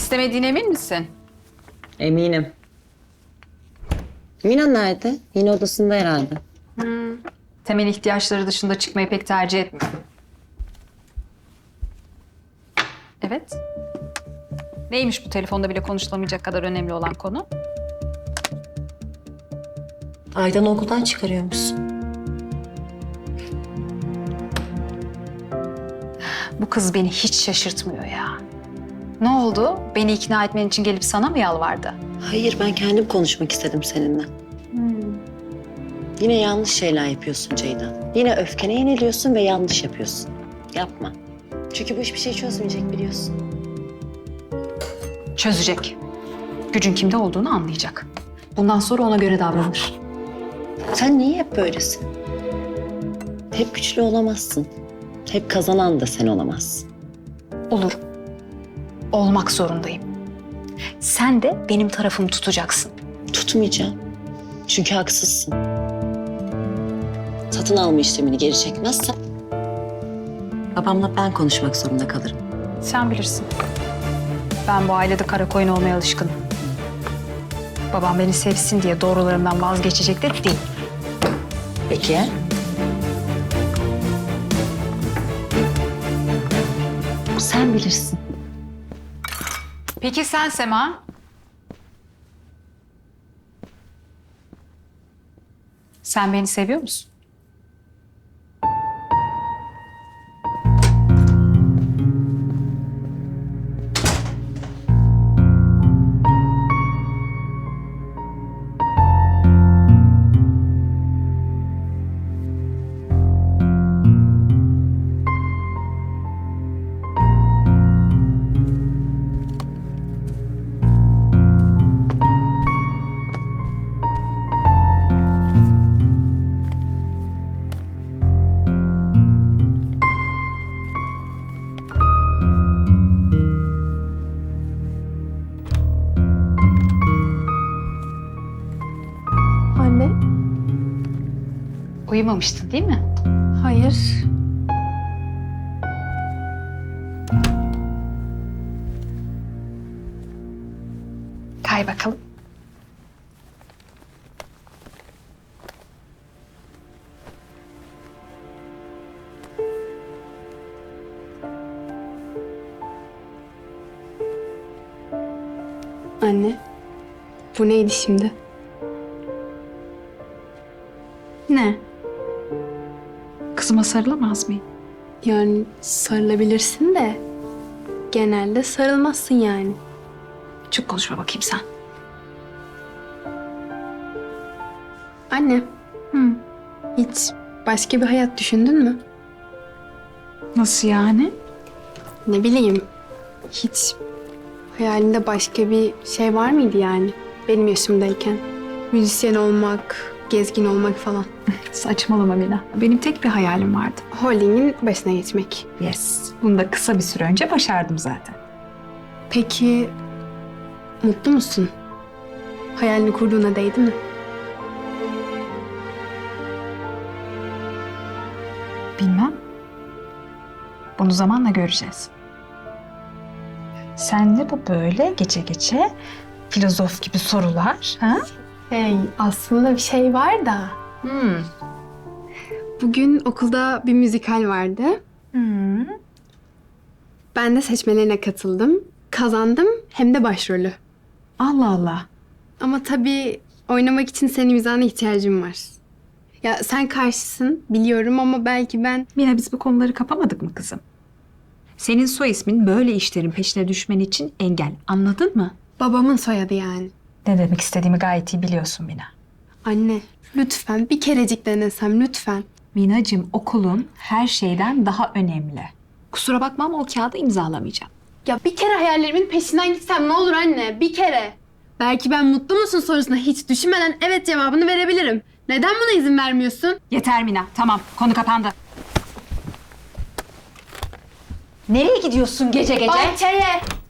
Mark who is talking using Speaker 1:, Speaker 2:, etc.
Speaker 1: istemediğine emin misin?
Speaker 2: Eminim. Mina nerede? Yine odasında herhalde.
Speaker 1: Temel ihtiyaçları dışında çıkmayı pek tercih etmiyor. Evet. Neymiş bu telefonda bile konuşulamayacak kadar önemli olan konu?
Speaker 2: Aydan'ı okuldan çıkarıyormuşsun.
Speaker 1: Bu kız beni hiç şaşırtmıyor ya. Ne oldu? Beni ikna etmen için gelip sana mı yalvardı?
Speaker 2: Hayır, ben kendim konuşmak istedim seninle. Yine yanlış şeyler yapıyorsun Ceyda. Yine öfkene yeniliyorsun ve yanlış yapıyorsun. Yapma. Çünkü bu hiçbir şey çözmeyecek biliyorsun.
Speaker 1: Çözecek. Gücün kimde olduğunu anlayacak. Bundan sonra ona göre davranır.
Speaker 2: Sen niye hep böylesin? Hep güçlü olamazsın. Hep kazanan da sen olamazsın.
Speaker 1: Olurum. Olmak zorundayım. Sen de benim tarafımı tutacaksın.
Speaker 2: Tutmayacağım. Çünkü haksızsın. Satın alma işlemini geri çekmezsen babamla ben konuşmak zorunda kalırım.
Speaker 1: Sen bilirsin. Ben bu ailede kara koyun olmaya alışkınım. Babam beni sevsin diye doğrularımdan vazgeçecek de değil.
Speaker 2: Peki ya? Sen bilirsin.
Speaker 1: Peki sen Sema? Sen beni seviyor musun?
Speaker 3: Anne,
Speaker 1: Uyumamıştın değil mi?
Speaker 3: hayır.
Speaker 1: Kay bakalım.
Speaker 3: Anne, bu neydi şimdi?
Speaker 1: Ne? Kızıma sarılamaz mıyım?
Speaker 3: Yani sarılabilirsin de genelde sarılmazsın yani.
Speaker 1: Çok konuşma bakayım sen.
Speaker 3: Anne,
Speaker 1: Hı.
Speaker 3: hiç başka bir hayat düşündün mü?
Speaker 1: Nasıl yani?
Speaker 3: Ne bileyim, hiç hayalinde başka bir şey var mıydı yani benim yaşımdayken? Müzisyen olmak, gezgin olmak falan.
Speaker 1: Saçmalama Mina. Benim tek bir hayalim vardı.
Speaker 3: Holding'in başına geçmek.
Speaker 1: Yes. Bunu da kısa bir süre önce başardım zaten.
Speaker 3: Peki, mutlu musun? Hayalini kurduğuna değdi mi?
Speaker 1: Bilmem. Bunu zamanla göreceğiz. Sen de bu böyle gece gece filozof gibi sorular, ha?
Speaker 3: Hey, aslında bir şey var da. Bugün okulda bir müzikal vardı. Ben de seçmelerine katıldım. Kazandım hem de başrolü.
Speaker 1: Allah Allah.
Speaker 3: Ama tabii oynamak için senin imzana ihtiyacım var. Ya sen karşısın biliyorum ama belki ben...
Speaker 1: Mina biz bu konuları kapamadık mı kızım? Senin soy ismin böyle işlerin peşine düşmen için engel. Anladın mı?
Speaker 3: Babamın soyadı yani.
Speaker 1: Ne demek istediğimi gayet iyi biliyorsun Mina.
Speaker 3: Anne lütfen bir kerecik denesem lütfen.
Speaker 1: Minacığım okulun her şeyden daha önemli. Kusura bakma ama o kağıdı imzalamayacağım.
Speaker 3: Ya bir kere hayallerimin peşinden gitsem ne olur anne bir kere. Belki ben mutlu musun sorusuna hiç düşünmeden evet cevabını verebilirim. Neden buna izin vermiyorsun?
Speaker 1: Yeter Mina. Tamam. Konu kapandı. Nereye gidiyorsun gece gece?
Speaker 3: Bahçeye.